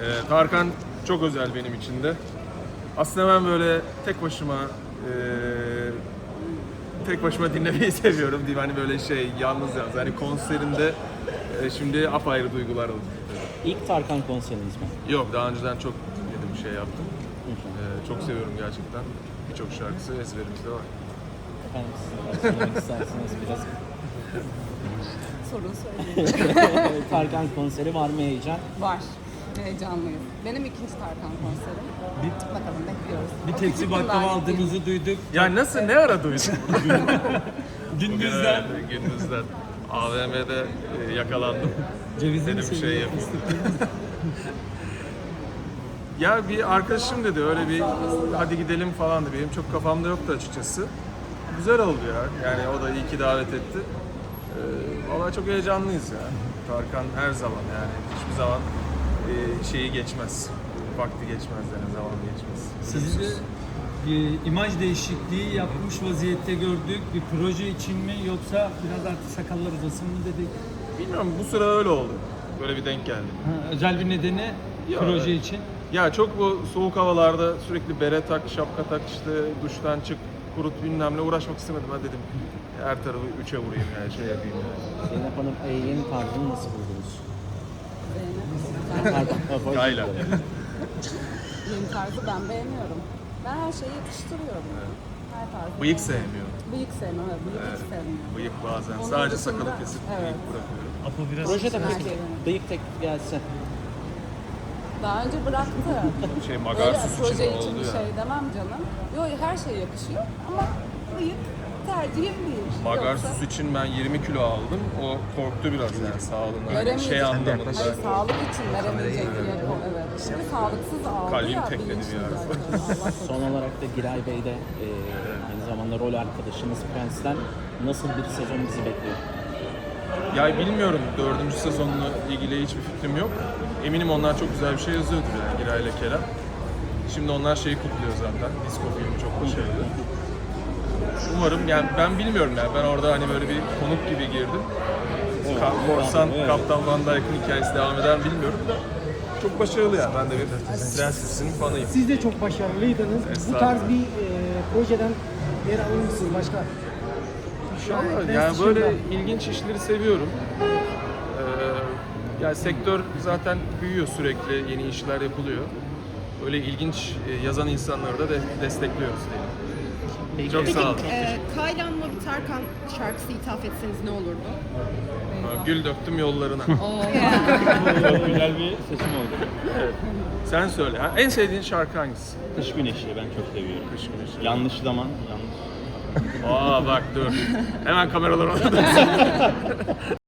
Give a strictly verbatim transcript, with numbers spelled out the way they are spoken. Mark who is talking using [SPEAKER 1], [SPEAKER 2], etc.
[SPEAKER 1] Ee, Tarkan çok özel benim için de. Aslında ben böyle tek başıma e, tek başıma dinlemeyi seviyorum diyeyim, hani böyle şey yalnız yalnız. Hani konserinde e, şimdi apayrı duygular oldu.
[SPEAKER 2] İlk Tarkan konseriniz mi?
[SPEAKER 1] Yok, daha önceden çok bir şey yaptım. Ee, çok seviyorum gerçekten. Birçok şarkısı ezberimizde var.
[SPEAKER 2] Efendim siz söylemek isterseniz biraz.
[SPEAKER 3] Sorun söyleyin.
[SPEAKER 2] Tarkan konseri var mı heyecan?
[SPEAKER 3] Var. Heyecanlıyız. Benim ikinci Tarkan konserim. Bakalım bekliyoruz.
[SPEAKER 4] Bir tepsi baklava aldığınızı duyduk.
[SPEAKER 1] Ya nasıl, ne ara duydun?
[SPEAKER 4] Gündüzden.
[SPEAKER 1] Evet, gündüzden. A V M'de e, yakalandım.
[SPEAKER 4] Cevizli mi
[SPEAKER 1] Dedim şey
[SPEAKER 4] seviyor?
[SPEAKER 1] yapayım. Ya bir arkadaşım dedi, öyle bir hadi gidelim falan dedi. Benim çok kafamda yoktu açıkçası. Güzel oldu ya. Yani o da iyi ki davet etti. Ee, vallahi çok heyecanlıyız ya. Tarkan her zaman, yani hiçbir zaman e, şeyi geçmez. Vakti geçmez yani, zaman geçmez.
[SPEAKER 4] Sizi de bir imaj değişikliği yapmış vaziyette gördük. Bir proje için mi yoksa biraz artık sakallar uzasın mı dedik?
[SPEAKER 1] Bilmiyorum, bu sıra öyle oldu. Böyle bir denk geldi.
[SPEAKER 4] Ha, özel bir nedeni
[SPEAKER 1] Ya,
[SPEAKER 4] proje
[SPEAKER 1] evet.
[SPEAKER 4] için.
[SPEAKER 1] Ya çok bu soğuk havalarda sürekli bere tak, şapka tak, işte duştan çık, kurut bilmem ne, uğraşmak istemedim. Ben dedim her tarafı üçe vurayım yani, şey yapayım yani.
[SPEAKER 2] Zeynep Hanım e, yeni tarzını nasıl buldunuz?
[SPEAKER 3] Zeynep.
[SPEAKER 2] Tarkan
[SPEAKER 1] Kayla.
[SPEAKER 3] Yeni tarzı ben beğeniyorum. Ben her şeyi yetiştiriyorum. Her tarzı.
[SPEAKER 1] Bıyık sevmiyorum.
[SPEAKER 3] Bıyık sevmiyorum. Evet, bıyık hiç sevmiyorum.
[SPEAKER 1] Bıyık bazen.
[SPEAKER 3] Onun
[SPEAKER 1] Sadece
[SPEAKER 3] dışında-
[SPEAKER 1] sakalı kesip
[SPEAKER 3] evet.
[SPEAKER 1] bıyık bırakıyorum.
[SPEAKER 4] Apo biraz
[SPEAKER 2] Projede
[SPEAKER 3] Her
[SPEAKER 2] peki
[SPEAKER 3] şey.
[SPEAKER 2] bıyık teklif gelse
[SPEAKER 3] Daha önce bıraktı.
[SPEAKER 1] Şey,
[SPEAKER 3] Böyle
[SPEAKER 1] magarsız için
[SPEAKER 3] proje için
[SPEAKER 1] oldu
[SPEAKER 3] bir
[SPEAKER 1] ya.
[SPEAKER 3] şey demem canım. Yok, her şey yakışıyor ama bıyık tercihim değil.
[SPEAKER 1] Magarsız
[SPEAKER 3] Yoksa-
[SPEAKER 1] için ben yirmi kilo aldım. O korktu biraz yani sağlığından.
[SPEAKER 3] Veremeyecek.
[SPEAKER 1] Şey anlamında.
[SPEAKER 3] Hayır, sağlık için veremeyecek diye. Evet. Şimdi sağlıksız aldı
[SPEAKER 1] Kalbim
[SPEAKER 3] ya.
[SPEAKER 1] tekledi bir
[SPEAKER 3] bilinçli
[SPEAKER 1] ara.
[SPEAKER 3] zaten. Allah
[SPEAKER 2] son olarak da Giray Bey de e, aynı zamanda rol arkadaşınız Prens'ten nasıl bir sezon bizi bekliyor?
[SPEAKER 1] Ya bilmiyorum, dördüncü sezonla ilgili hiçbir fikrim yok. Eminim onlar çok güzel bir şey yazıyordur yani, Giray ile Kerem. Şimdi onlar şeyi kutluyor zaten. Disco filmi çok başarılı. Umarım, yani ben bilmiyorum yani, ben orada hani böyle bir konuk gibi girdim. Ka- Korsan,
[SPEAKER 2] evet.
[SPEAKER 1] Kaptan Van Dyke'ın hikayesi devam eder mi bilmiyorum da çok başarılı yani. Ben de bir prensesinin fanıyım.
[SPEAKER 5] Siz de çok başarılıydınız. Bu
[SPEAKER 1] Estağfurullah.
[SPEAKER 5] tarz bir e, projeden yer alır mısınız başka?
[SPEAKER 1] İnşallah. Yani böyle ilginç işleri seviyorum. Ee, yani sektör zaten büyüyor sürekli, yeni işler yapılıyor. Böyle ilginç e, yazan insanları da de destekliyoruz diyelim. Çok sağ olun.
[SPEAKER 6] Ee, Kaylan'la bir Tarkan şarkısı ithaf etseniz ne olurdu?
[SPEAKER 1] Gül döktüm yollarına.
[SPEAKER 7] Çok güzel bir seçim oldu.
[SPEAKER 1] Sen söyle. Ha, en sevdiğin şarkı hangisi?
[SPEAKER 7] Kış güneşi ben çok seviyorum.
[SPEAKER 1] Kış güneşi.
[SPEAKER 7] Yanlış zaman, yanlış.
[SPEAKER 1] Aa bak dur. Hemen kameralar orada.